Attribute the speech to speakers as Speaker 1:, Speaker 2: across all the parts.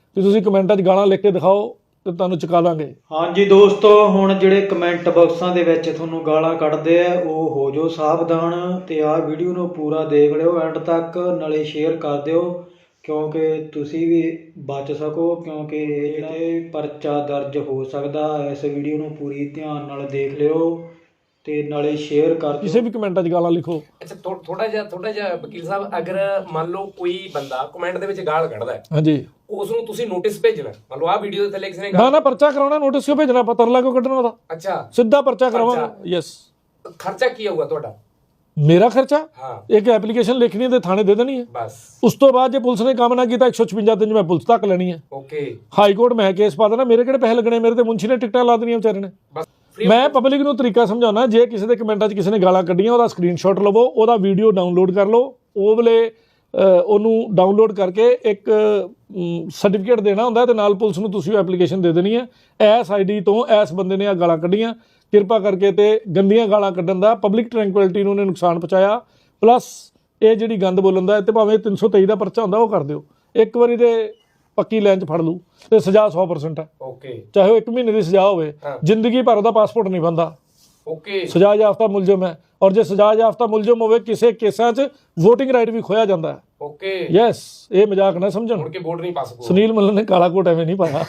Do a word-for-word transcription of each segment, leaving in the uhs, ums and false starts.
Speaker 1: ਕਿ ਤੁਸੀਂ ਕਮੈਂਟਾਂ 'ਚ ਗਾਲਾਂ ਲਿਖ ਕੇ ਦਿਖਾਓ ਤੇ ਤੁਹਾਨੂੰ ਚੁਕਾ ਦਾਂਗੇ।
Speaker 2: ਹਾਂਜੀ ਦੋਸਤੋ, ਹੁਣ ਜਿਹੜੇ ਕਮੈਂਟ ਬਾਕਸਾਂ ਦੇ ਵਿੱਚ ਤੁਹਾਨੂੰ ਗਾਲਾਂ ਕੱਢਦੇ ਆ ਉਹ ਹੋ ਜਾਓ ਸਾਵਧਾਨ ਤੇ ਆਹ ਵੀਡੀਓ ਨੂੰ ਪੂਰਾ ਦੇਖ ਲਿਓ ਐਂਡ ਤੱਕ, ਨਾਲੇ ਸ਼ੇਅਰ ਕਰ ਦਿਓ ਕਿਉਂਕਿ ਤੁਸੀਂ ਵੀ ਬਚ ਸਕੋ, ਕਿਉਂਕਿ ਇਹ ਜਿਹੜੇ ਪਰਚਾ ਦਰਜ ਹੋ ਸਕਦਾ। ਇਸ ਵੀਡੀਓ ਨੂੰ ਪੂਰੀ ਧਿਆਨ ਨਾਲ ਦੇਖ ਲਿਓ ਤੇ ਨਾਲੇ ਸ਼ੇਅਰ ਕਰ ਦਿਓ।
Speaker 1: ਕਿਸੇ ਵੀ ਕਮੈਂਟਾਂ 'ਚ ਗਾਲਾਂ ਲਿਖੋ।
Speaker 3: ਅੱਛਾ ਥੋੜਾ ਜਿਹਾ ਥੋੜਾ ਜਿਹਾ ਵਕੀਲ ਸਾਹਿਬ, ਅਗਰ ਮੰਨ ਲਓ ਕੋਈ ਬੰਦਾ ਕਮੈਂਟ ਦੇ ਵਿੱਚ ਗਾਲ ਕੱਢਦਾ ਹੈ,
Speaker 1: ਹਾਂਜੀ,
Speaker 3: ਉਸ ਨੂੰ ਤੁਸੀਂ ਨੋਟਿਸ ਭੇਜਣਾ। ਮੰਨ ਲਓ ਆਹ ਵੀਡੀਓ ਦੇ ਥੱਲੇ ਕਿਸੇ ਨੇ
Speaker 1: ਨਾ ਨਾ ਪਰਚਾ ਕਰਾਉਣਾ, ਨੋਟਿਸ ਕਿਉਂ ਭੇਜਣਾ, ਪਤਾ ਤਰਲਾ ਕਿਉਂ ਕੱਢਣਾ ਉਹਦਾ?
Speaker 3: ਅੱਛਾ,
Speaker 1: ਸਿੱਧਾ ਪਰਚਾ ਕਰਾਵਾਂਗਾ। ਯੈਸ।
Speaker 3: ਖਰਚਾ ਕੀ ਆਊਗਾ ਤੁਹਾਡਾ?
Speaker 1: ਮੇਰਾ ਖਰਚਾ
Speaker 3: ਹਾਂ,
Speaker 1: ਇੱਕ ਐਪਲੀਕੇਸ਼ਨ ਲਿਖਣੀ ਹੈ ਤੇ ਥਾਣੇ ਦੇ ਦੇਣੀ ਹੈ
Speaker 3: ਬਸ।
Speaker 1: ਉਸ ਤੋਂ ਬਾਅਦ ਜੇ ਪੁਲਿਸ ਨੇ ਕੰਮ ਨਾ ਕੀਤਾ ਇੱਕ ਸੌ ਛਪੰਜਾ ਦਿਨ 'ਚ ਮੈਂ ਪੁਲਿਸ ਤੱਕ ਲੈਣੀ ਹੈ।
Speaker 3: ਓਕੇ,
Speaker 1: ਹਾਈ ਕੋਰਟ ਮੈਂ ਕੇਸ ਪਾ ਦੇਣਾ। ਮੇਰੇ ਕਿਹੜੇ ਪੈਸੇ ਲੱਗਣੇ, ਮੇਰੇ ਤੇ ਮੁੰਸ਼ੀ ਨੇ ਟਿਕਟਾਂ ਲਾ ਦੇਣੀਆਂ ਵਿਚਾਰੇ ਨੇ।
Speaker 3: ਬਸ
Speaker 1: ਮੈਂ ਪਬਲਿਕ ਨੂੰ ਤਰੀਕਾ ਸਮਝਾਉਣਾ, ਜੇ ਕਿਸੇ ਦੇ ਕਮੈਂਟਾਂ 'ਚ ਕਿਸੇ ਨੇ ਗਾਲਾਂ ਕੱਢੀਆਂ ਉਹਦਾ ਸਕਰੀਨਸ਼ਾਟ ਲਵੋ, ਉਹਦਾ ਵੀਡੀਓ ਡਾਊਨਲੋਡ ਕਰ ਲਓ, ਉਹ ਵੇਲੇ ਉਹਨੂੰ ਡਾਊਨਲੋਡ ਕਰਕੇ ਇੱਕ ਸਰਟੀਫਿਕੇਟ ਦੇਣਾ ਹੁੰਦਾ ਤੇ ਨਾਲ ਪੁਲਿਸ ਨੂੰ ਤੁਸੀਂ ਐਪਲੀਕੇਸ਼ਨ ਦੇ ਦੇਣੀ ਹੈ, ਐਸ ਆਈ ਡੀ ਤੋਂ ਐਸ ਬੰਦੇ ਨੇ ਆ ਗਾਲਾਂ ਕੱਢੀਆਂ, ਕਿਰਪਾ ਕਰਕੇ। ਤੇ ਗੰਦੀਆਂ ਗਾਲਾਂ ਕੱਢਣ ਦਾ ਪਬਲਿਕ ਟਰੈਂਕੁਇਲਿਟੀ ਨੂੰ ਉਹਨੇ ਨੁਕਸਾਨ ਪਹੁੰਚਾਇਆ, ਪਲੱਸ ਇਹ ਜਿਹੜੀ ਗੰਦ ਬੋਲਣ ਦਾ ਤੇ ਭਾਵੇਂ ਤਿੰਨ ਸੌ ਤੇਈ ਦਾ ਪਰਚਾ ਹੁੰਦਾ ਉਹ ਕਰ ਦਿਓ। ਇੱਕ ਵਾਰੀ ਦੇ ਪੱਕੀ ਲਾਈਨ 'ਚ ਫੜ ਲੂ ਤੇ ਸਜ਼ਾ ਸੌ ਪਰਸੈਂਟ ਹੈ।
Speaker 3: ਓਕੇ,
Speaker 1: ਚਾਹੇ ਉਹ ਇੱਕ ਮਹੀਨੇ ਦੀ ਸਜ਼ਾ ਹੋਵੇ, ਜ਼ਿੰਦਗੀ ਭਰ ਉਹਦਾ ਪਾਸਪੋਰਟ ਨਹੀਂ ਬਣਦਾ।
Speaker 3: ਓਕੇ,
Speaker 1: ਸਜ਼ਾ ਯਾਫਤਾ ਮੁਲਜ਼ਮ ਹੈ, ਔਰ ਜੇ ਸਜ਼ਾ ਯਾਫਤਾ ਮੁਲਜ਼ਮ ਹੋਵੇ ਕਿਸੇ ਕੇਸਾਂ 'ਚ ਵੋਟਿੰਗ ਰਾਈਟ ਵੀ ਖੋਇਆ ਜਾਂਦਾ ਹੈ।
Speaker 3: ਓਕੇ,
Speaker 1: ਯੈਸ, ਇਹ ਮਜ਼ਾਕ ਨਾ ਸਮਝਣ।
Speaker 3: ਮੁੜ ਕੇ ਵੋਟ ਨਹੀਂ ਪਾ ਸਕੋ।
Speaker 1: ਸੁਨੀਲ ਮੱਲਨ ਨੇ ਕਾਲਾ ਕੋਟ ਐਵੇਂ ਨਹੀਂ ਪਾਇਆ।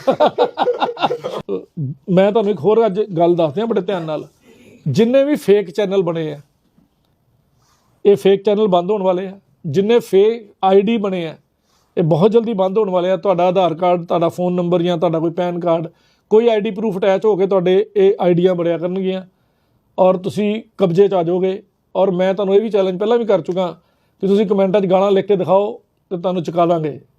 Speaker 1: ਮੈਂ ਤੁਹਾਨੂੰ ਇੱਕ ਹੋਰ ਅੱਜ ਗੱਲ ਦੱਸਦੇ ਹਾਂ ਬੜੇ ਧਿਆਨ ਨਾਲ। ਜਿੰਨੇ ਵੀ ਫੇਕ ਚੈਨਲ ਬਣੇ ਆ, ਇਹ ਫੇਕ ਚੈਨਲ ਬੰਦ ਹੋਣ ਵਾਲੇ ਆ। ਜਿੰਨੇ ਫੇਕ ਆਈ ਡੀ ਬਣੇ ਆ, ਇਹ ਬਹੁਤ ਜਲਦੀ ਬੰਦ ਹੋਣ ਵਾਲੇ ਆ। ਤੁਹਾਡਾ ਆਧਾਰ ਕਾਰਡ, ਤੁਹਾਡਾ ਫੋਨ ਨੰਬਰ ਜਾਂ ਤੁਹਾਡਾ ਕੋਈ ਪੈਨ ਕਾਰਡ, ਕੋਈ ਆਈ ਡੀ ਪ੍ਰੂਫ ਅਟੈਚ ਹੋ ਕੇ ਤੁਹਾਡੇ ਇਹ ਆਈਡੀਆਂ ਬਣਿਆ ਕਰਨਗੀਆਂ ਔਰ ਤੁਸੀਂ ਕਬਜ਼ੇ 'ਚ ਆ ਜਾਓਗੇ। ਔਰ ਮੈਂ ਤੁਹਾਨੂੰ ਇਹ ਵੀ ਚੈਲੰਜ ਪਹਿਲਾਂ ਵੀ ਕਰ ਚੁੱਕਾ ਕਿ ਤੁਸੀਂ ਕਮੈਂਟਾਂ 'ਚ ਗਾਲਾਂ ਲਿਖ ਕੇ ਦਿਖਾਓ ਤੇ ਤੁਹਾਨੂੰ ਚੁਕਾ ਦਾਂਗੇ।